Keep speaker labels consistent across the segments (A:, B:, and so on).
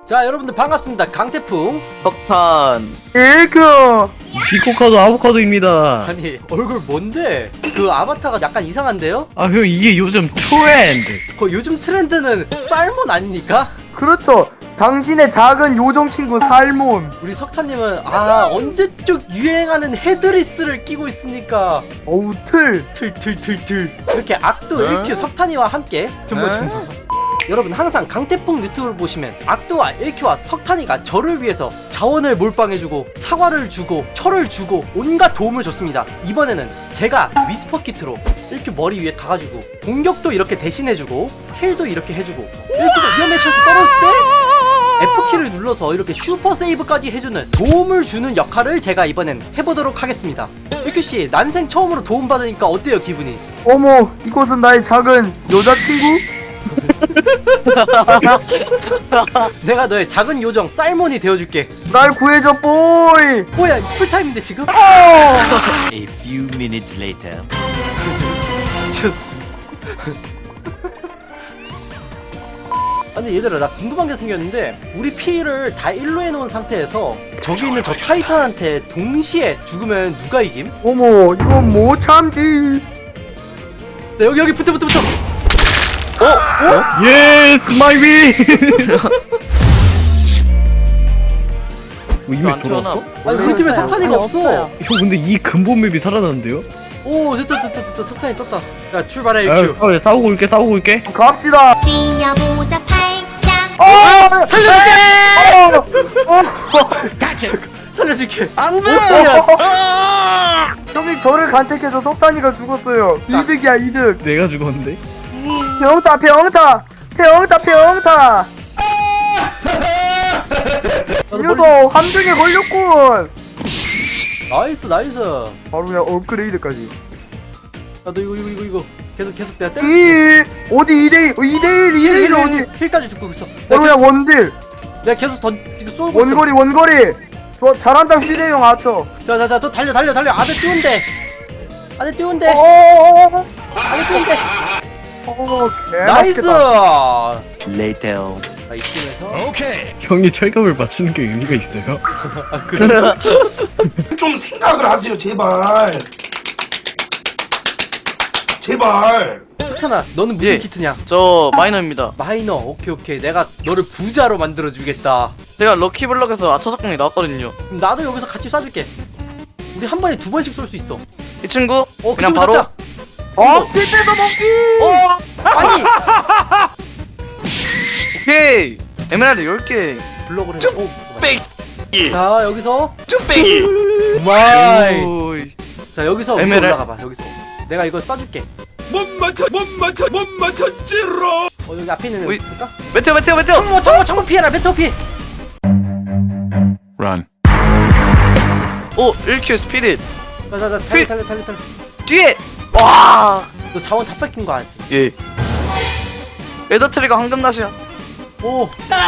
A: 자, 여러분들 반갑습니다. 강태풍.
B: 석탄.
C: 일그
D: 비코카도 아보카도입니다.
A: 아니, 얼굴 뭔데? 그 아바타가 약간 이상한데요?
D: 아 형 이게 요즘 트렌드.
A: 요즘 트렌드는 쌀몬 아닙니까?
C: 그렇죠. 당신의 작은 요정 친구 살몬.
A: 우리 석탄님은 언제적 유행하는 헤드리스를 끼고 있습니까?
C: 어우 틀.
A: 틀 이렇게 악도 1큐 석탄이와 함께 정보 여러분 항상 강태풍 유튜브를 보시면 악도와 1큐와 석탄이가 저를 위해서 자원을 몰빵해주고 사과를 주고 철을 주고 온갖 도움을 줬습니다. 이번에는 제가 위스퍼 키트로 1큐 머리 위에 가가지고 공격도 이렇게 대신해주고 힐도 이렇게 해주고 1큐가 위험에 처해서 떨어졌을 때 F키를 눌러서 이렇게 슈퍼 세이브까지 해주는 도움을 주는 역할을 제가 이번엔 해보도록 하겠습니다. 1큐씨 난생 처음으로 도움받으니까 어때요 기분이?
C: 어머, 이곳은 나의 작은 여자친구?
A: 내가 너의 작은 요정 쌀몬이 되어줄게.
C: 날 구해줘 보이.
A: 뭐야 풀타임인데 지금?
E: A few minutes later.
A: 아니 얘들아 나 궁금한 게 생겼는데 우리 피를 다 1로 해놓은 상태에서 저기 있는 저 타이탄한테 동시에 죽으면 누가 이김?
C: 어머, 이건 못 참지.
A: 네, 여기 붙어
D: 예스 마이 위. 이미
B: 안 태어나.
D: 돌아왔어?
A: 아니 우리 팀에 석탄이가 없어.
D: 형 근데 이 근본 맵이 살아났는데요?
A: 오 됐다 석탄이 떴다. 야 출발해
D: 아,
A: 1큐.
D: 싸우고 올게.
C: 갑시다.
F: 뛰어보자 팔짱
A: 살려줄게.
C: 안돼. 형이 저를 간택해서 석탄이가 죽었어요. 이득이야 이득.
D: 내가 죽었는데?
C: 병타. 이 녀석 함정에 걸렸군.
A: 나이스
C: 바로 그냥 업그레이드까지.
A: 야너 이거 계속 내가 때려.
C: 어디 2대1 어디?
A: 힐까지 죽고 있어.
C: 바로 그냥 원딜.
A: 내가 계속 지금 쏘고 있어.
C: 원거리. 좋아, 잘한다 휘대형 아처.
A: 자자자 또 달려 아들 띄운대 아들 띄운대 나이스.
E: Later.
A: 자 이쯤에서
E: Okay.
D: 형이 철갑을 맞추는 게 의미가 있어요?
A: 그래.
G: 좀 생각을 하세요, 제발. 제발.
A: 석탄아 너는 무슨
B: 예.
A: 키트냐?
B: 저 마이너입니다.
A: 마이너. 오케이 내가 너를 부자로 만들어주겠다.
B: 제가 럭키블럭에서 아처작공이 나왔거든요.
A: 그럼 나도 여기서 같이 쏴줄게. 우리 한 번에 2번씩 쏠 수 있어.
B: 이 친구
A: 그
B: 그냥
A: 친구
B: 바로
A: 잡자.
C: 삐빼서 먹기.
A: 아니
B: 오케이 에메랄드 10개.
A: 블록을 해.
E: 뺑.
A: 자 여기서
E: 쭈빼기.
A: 마이.
B: 오이.
A: 자 여기서 위로
B: 에메랄-
A: 올라가봐. 여기서 내가 이거 쏴줄게. 못 맞췄지로. 여기 앞에 있는 애
B: 오이.
A: 있을까?
B: 메테오.
A: 정모 피해라. 메테오 피해.
E: Run.
B: 오 1큐 스피릿.
A: 자자자
B: 피-
A: 달려.
B: 뒤에. 와.
A: 너 자원 다 뺏긴 거 알지?
B: 예. 에더 트리가 황금낫이야.
A: 오.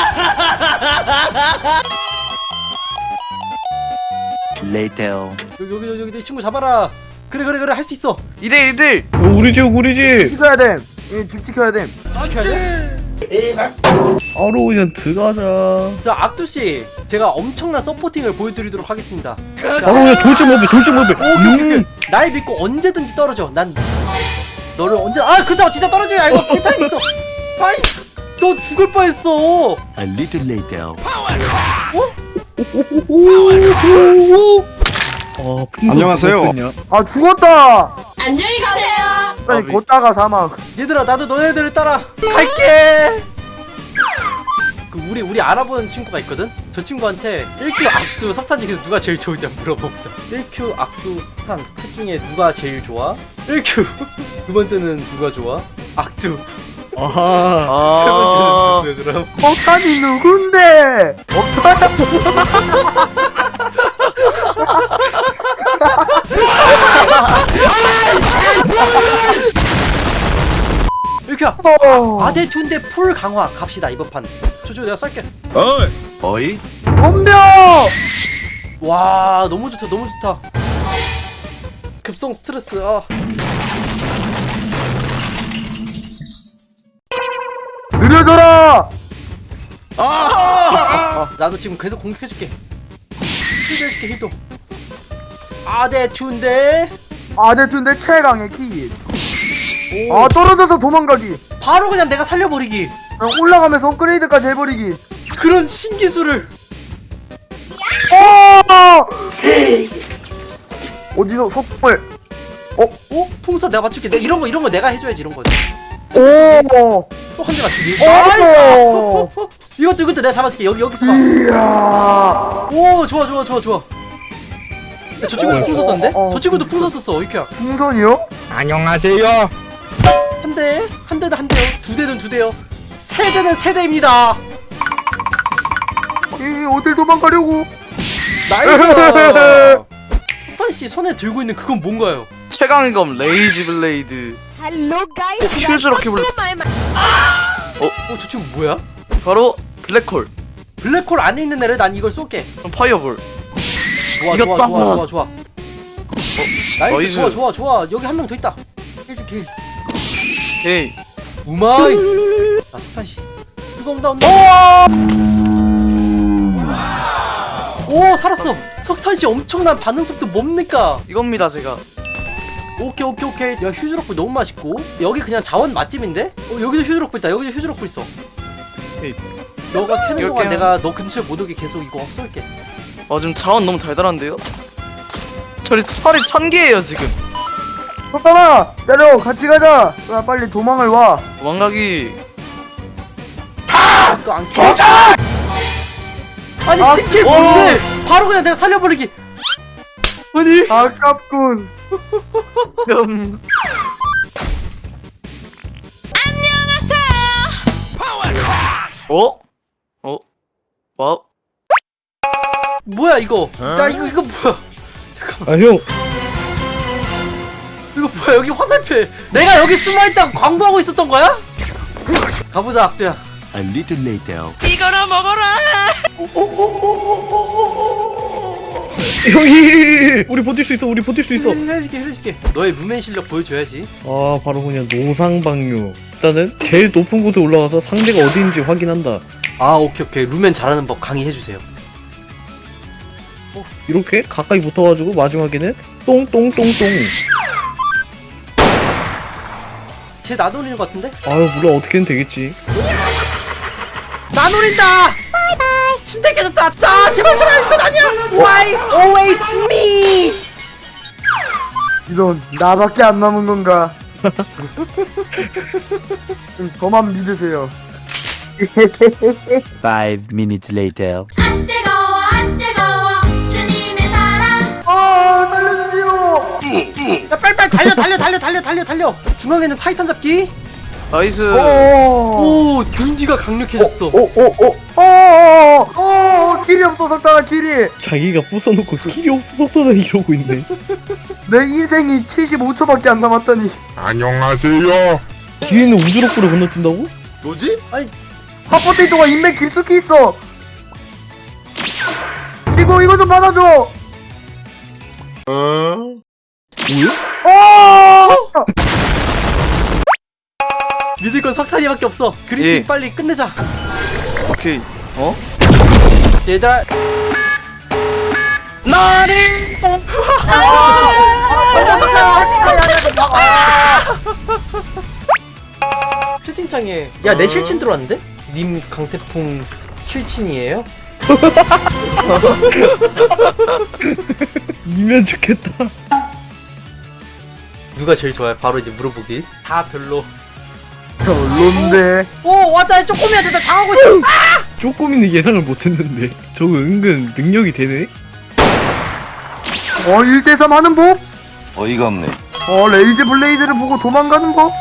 E: Later.
A: 여기 이 친구 잡아라. 그래 할 수 있어.
B: 2대1.
D: 우리 집.
C: 지켜야 돼. 집 지켜야 돼.
A: 지켜야 돼.
D: 바로 그냥 들어가자.
A: 자 악두 씨, 제가 엄청난 서포팅을 보여드리도록 하겠습니다.
D: 바로 그냥 돌점 업에.
A: 오케이. 날 믿고 언제든지 떨어져. 난 너를 언제 그다 진짜 떨어지면 알고 필타임 있어. 아이 너 죽을 뻔했어.
E: A little later.
D: 안녕하세요.
C: 아 죽었다.
F: 안녕히 가세요.
C: 아니 걷다가 사망.
A: 얘들아 나도 너네들을 따라 갈게. 그 우리 알아보는 친구가 있거든. 저 친구한테 1큐 악두 석탄 중에서 누가 제일 좋은지 한번 물어보자. 1큐 악두 석탄 셋 중에 누가 제일 좋아? 1큐 두 번째는 누가 좋아? 악두.
D: 아하.
A: 세
B: 아.
A: 번째는 누구야 그럼?
C: 석탄이 누군데? 없어요.
A: 일큐야 아델 투인데 풀 강화 갑시다 이번 판. 저저 내가 쏠게.
E: Oi.
C: 덤벼.
A: 와 너무 좋다. 급성 스트레스.
C: 느려져라.
A: 나도 지금 계속 공격해줄게. 힐도 해줄게 힐도. 아네 튠데.
C: 아데툰데 최강의 키.
A: 오.
C: 아 떨어져서 도망가기.
A: 바로 그냥 내가 살려버리기.
C: 그냥 올라가면서 업그레이드까지 해버리기.
A: 그런 신기술을.
C: 어디서 석불.
A: 어? 풍선 내가 맞출게. 이런 거 내가 해줘야지 이런 거.
C: 오.
A: 또 한 대 맞추기.
C: 오.
A: 이것도 내가 잡아줄게. 여기서 봐.
C: 이야.
A: 오 좋아. 야, 저 친구도 풍선 썼는데? 저 친구도 풍선 썼어 이렇게야.
C: 풍선이요?
E: 안녕하세요.
A: 한 대는 한 대요. 두 대는 두 대요. 세 대는 세 대입니다.
C: 어딜 도망가려고?
A: 나이스. 석탄 씨 손에 들고 있는 그건 뭔가요?
B: 최강의 검 레이지 블레이드. 퓨즈 럭키블.
A: 저 친구 뭐야?
B: 바로 블랙홀.
A: 블랙홀 안에 있는 애를 난 이걸 쏠게.
B: 그럼 파이어볼.
A: 좋아.
B: 이겼다.
A: 나이스.
B: 나이스.
A: 좋아. 여기 한 명 더 있다. 해줄게.
B: 오케이.
A: 우마이. 나 석탄 씨. 뜨거운다. 오 살았어. 석탄 씨 엄청난 반응 속도 뭡니까?
B: 이겁니다 제가.
A: 오케이. 야 휴즈럭불 너무 맛있고 여기 그냥 자원 맛집인데? 여기도 휴즈럭불 있다. 여기도 휴즈럭불 있어.
B: 오케이.
A: 너가 캐는
B: 이렇게
A: 동안
B: 하면-
A: 내가 너 근처에 못 오게 계속 이거 쏠게.
B: 지금 자원 너무 달달한데요? 철이 1000개예요 지금.
C: 석탄아 내려 같이 가자. 야, 빨리 도망을 와.
B: 도망가기.
A: 이거 안 캐? 아니
C: 아,
A: 팀킬 뭔데? 바로 그냥 내가 살려버리기. 아니
C: 아깝군.
B: 음. 어? 와우.
A: 뭐야 이거? 야 이거 뭐야? 잠깐만.
D: 아 형.
A: 이거 뭐야 여기 화살표. 내가 여기 숨어있다고 광고하고 있었던 거야? 가보자 악두야.
E: A little later.
D: 형이 우리 버틸 수 있어.
A: 해줄게. 너의 무맨 실력 보여줘야지.
D: 아 바로 그냥 노상방류. 일단은 제일 높은 곳에 올라가서 상대가 어디인지 확인한다.
A: 아 오케이. 루멘 잘하는 법 강의해주세요.
D: 이렇게 가까이 붙어가지고 마지막에는 똥똥똥똥.
A: 쟤 나노리는 것 같은데?
D: 아유 몰라 어떻게든 되겠지.
A: 나노린다! 바이바이! 침대 깨졌다! 자 제발 이건 아니야! Why always me?
C: 이런 나밖에 안 남은 건가? 저만 믿으세요.
E: 5 minutes later.
F: 안 뜨거워 주님의 사랑
C: 아 살려주세요.
A: 야 빨리 달려! 중앙에는 타이탄 잡기.
B: 나이스.
C: 오.
A: 오 균디가 강력해졌어.
C: 길이 없어 석탄아 길이.
D: 자기가 부숴놓고 길이 없어서 이러고 있네.
C: 내 인생이 75초밖에 안 남았다니.
G: 안녕하세요.
D: 뒤에는 우주로프를 건너뛴다고?
E: 뭐지?
C: 핫포테이토가 인맥 깊숙이 있어. 이거 좀 받아줘.
A: 믿을 건 석탄이밖에 없어. 그리핀
B: 예.
A: 빨리 끝내자.
B: 오케이. 어?
A: 얘들아.
B: 나리.
A: 석탄 할수 있어. 채팅창에 야 내 실친 들어왔는데? 님 강태풍 실친이에요?
D: 이면 좋겠다.
A: 누가 제일 좋아요? 바로 이제 물어보기. 다 별로.
C: 별론데.
A: 오 왔다 쪼꼬미한테 나 당하고 있어.
D: 쪼꼬미는 예상을 못했는데 저거 은근 능력이 되네.
C: 1대3 하는 법?
E: 어이가 없네.
C: 레이즈 블레이드를 보고 도망가는 법?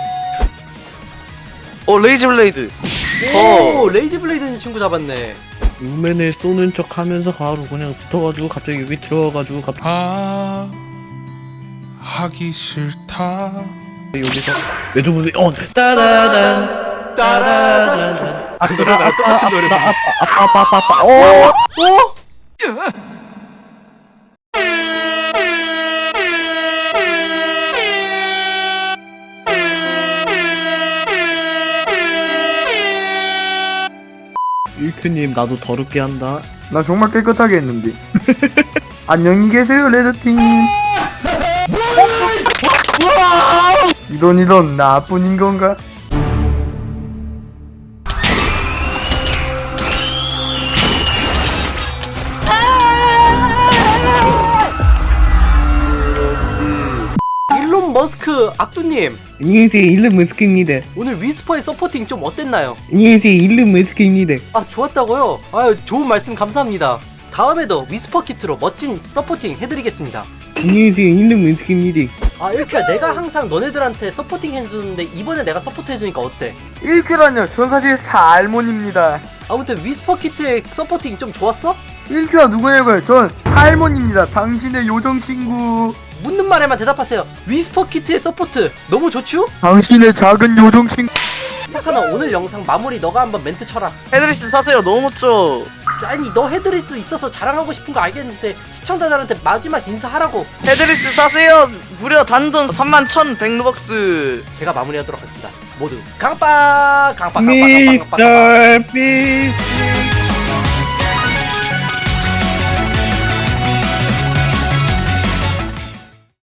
B: 레이지 블레이드.
A: 오 레이지 블레이드 친구 잡았네.
D: 우맨을 쏘는 척 하면서 바로 그냥 붙어가지고 갑자기 여기 들어가가지고 갑자기
H: 하기 싫다.
D: 여기서 매주분이 따라단
A: 따라단. 아 그거랑 나랑 똑같은 노래.
D: 아빠빠빠빠 일큐님 나도 더럽게 한다.
C: 나 정말 깨끗하게 했는데. 안녕히 계세요 레드팀. 이런 나뿐인 건가?
A: 일론 머스크 악두님,
D: 안녕하세요 일론 머스크입니다.
A: 오늘 위스퍼의 서포팅 좀 어땠나요?
D: 안녕하세요 일론 머스크입니다.
A: 아, 좋았다고요? 아유, 좋은 말씀 감사합니다. 다음에도 위스퍼 키트로 멋진 서포팅 해드리겠습니다.
D: 안녕하세요 일론 머스크입니다.
A: 아, 일큐야, 내가 항상 너네들한테 서포팅 해주는데 이번에 내가 서포트 해주니까 어때?
C: 1큐라뇨. 전 사실 살몬입니다.
A: 아무튼 위스퍼 키트의 서포팅 좀 좋았어?
C: 1큐가 누구냐고요? 전 살몬입니다. 당신의 요정 친구.
A: 묻는 말에만 대답하세요. 위스퍼 키트의 서포트 너무 좋죠?
C: 당신의 작은 요정 친구.
A: 석탄아, 오늘 영상 마무리 너가 한번 멘트 쳐라.
B: 헤드리스 사세요. 너무 멋져.
A: 아니, 너 헤드리스 있어서 자랑하고 싶은 거 알겠는데 시청자들한테 마지막 인사하라고.
B: 헤드리스 사세요. 무려 단돈 31,100루벅스.
A: 제가 마무리하도록 하겠습니다. 모두 강빠 강빠 강빠 강빠 강빠.
D: 미스터 피스.